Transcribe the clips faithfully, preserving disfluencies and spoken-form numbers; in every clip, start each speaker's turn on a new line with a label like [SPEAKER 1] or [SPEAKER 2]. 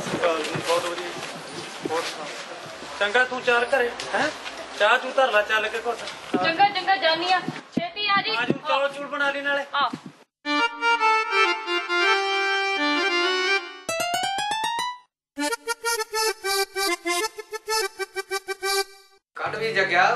[SPEAKER 1] बहुत वधिया होर सुना चंगा तू चार घरे है चाह चू धर ला चल के कुछ
[SPEAKER 2] चंगा चंगा जानी आ छेती आ जी
[SPEAKER 1] आजू चौल चूल बना ली नाले
[SPEAKER 2] हां
[SPEAKER 3] ਕੱਢ ਵੀ ਜਗਿਆ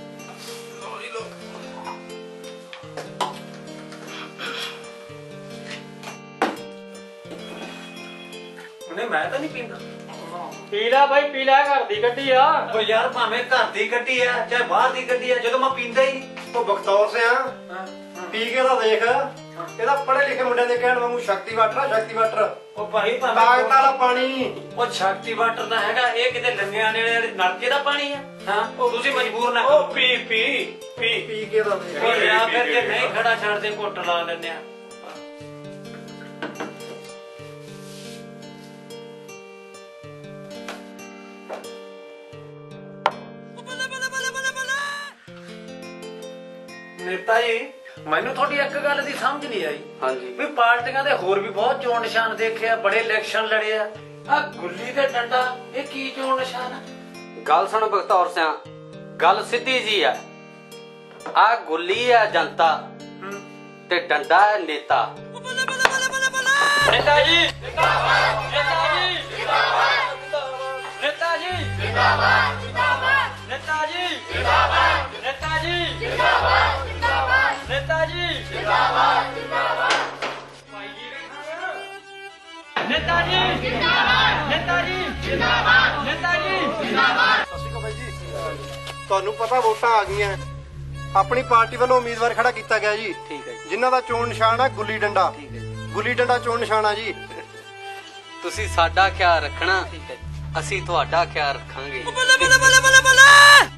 [SPEAKER 1] नहीं मैं तो नहीं पींदा
[SPEAKER 4] पीला भाई पीला घर दी गड्डी आ
[SPEAKER 1] ओ यार भावे घर दी गड्डी है चाहे बाहर दी गड्डी है ਜਦੋਂ मैं पींदा ही नहीं
[SPEAKER 5] ਉਹ ਬਖਤੌਰ ਸਿਆ ਪੀ ਕੇ ਤਾਂ ਦੇਖ ਇਹਦਾ ਪੜ੍ਹੇ ਲਿਖੇ ਮੁੰਡਿਆਂ ਦੇ ਕਹਿਣ ਵਾਂਗੂ ਸ਼ਕਤੀ ਵਾਟਰ ਆ ਸ਼ਕਤੀ ਵਾਟਰ
[SPEAKER 1] ਉਹ ਭਾਈ ਭਾਵੇਂ
[SPEAKER 5] ਤਾਕਤ ਵਾਲਾ ਪਾਣੀ
[SPEAKER 1] ਉਹ ਸ਼ਕਤੀ ਵਾਟਰ ਦਾ ਹੈਗਾ ਇਹ ਕਿਤੇ ਲੰਗਿਆਂ ਨੇੜੇ ਨਲਕੇ ਦਾ ਪਾਣੀ ਹੈ ਹਾਂ ਤੁਸੀਂ ਮਜਬੂਰ ਨਾ
[SPEAKER 5] ਉਹ ਪੀ ਪੀ ਪੀ ਪੀ ਕੇ ਤਾਂ ਦੇਖ
[SPEAKER 1] ਉਹ ਯਾਰ ਫਿਰ ਜੇ ਨਹੀਂ ਖੜਾ ਛੱਡਦੇ ਘੁੱਟ ਲਾ ਲੈਂਦੇ ਆ नेता जी ਮੈਨੂੰ ਤੁਹਾਡੀ ਇੱਕ ਗੱਲ ਦੀ ਸਮਝ ਨਹੀਂ ਆਈ
[SPEAKER 3] ਹਾਂਜੀ
[SPEAKER 1] ਵੀ ਪਾਰਟੀਆਂ ਦੇ ਹੋਰ ਵੀ ਬਹੁਤ ਚੋਣ ਨਿਸ਼ਾਨ ਦੇਖੇ ਆ ਬੜੇ ਇਲੈਕਸ਼ਨ ਲੜੇ ਆ ਆ ਗੁੱਲੀ ਤੇ ਡੰਡਾ ਇਹ ਕੀ ਚੋਣ ਨਿਸ਼ਾਨ ਆ
[SPEAKER 3] ਗੱਲ ਸੁਣ ਬਖਤੌਰ ਸਿਆ ਗੱਲ ਸਿੱਧੀ ਜੀ ਆ ਆ ਗੁੱਲੀ ਆ ਜਨਤਾ ਤੇ ਡੰਡਾ ਹੈ ਨੇਤਾ
[SPEAKER 4] नेता जी जिंदाबाद नेता जी जिंदाबाद नेता जी जिंदाबाद जिंदाबाद नेता जी जिंदाबाद नेता जी जिंदाबाद जिंदाबाद नेता जी जिंदाबाद जिंदाबाद नेता जी जिंदाबाद नेता जी जिंदाबाद नेता जी जिंदाबाद
[SPEAKER 5] ਸਤਿ ਸ਼੍ਰੀ ਅਕਾਲ ਬਾਈ ਜੀ ਤੁਹਾਨੂੰ ਪਤਾ ਵੋਟਾਂ ਆ ਗਈਆਂ ਆਪਣੀ ਪਾਰਟੀ ਵੱਲੋਂ ਉਮੀਦਵਾਰ ਖੜਾ ਕੀਤਾ ਗਿਆ ਜੀ
[SPEAKER 3] ਠੀਕ ਹੈ ਜੀ
[SPEAKER 5] ਜਿਨ੍ਹਾਂ ਦਾ ਚੋਣ ਨਿਸ਼ਾਨ ਆ ਗੁੱਲੀ ਡੰਡਾ
[SPEAKER 3] ਠੀਕ ਹੈ
[SPEAKER 5] ਗੁੱਲੀ ਡੰਡਾ ਚੋਣ ਨਿਸ਼ਾਨ ਆ ਜੀ
[SPEAKER 3] ਤੁਸੀਂ ਸਾਡਾ ਖਿਆਲ ਰੱਖਣਾ ਅਸੀਂ ਤੁਹਾਡਾ ਖਿਆਲ ਰੱਖਾਂਗੇ
[SPEAKER 4] बल्ले बल्ले बल्ले बल्ले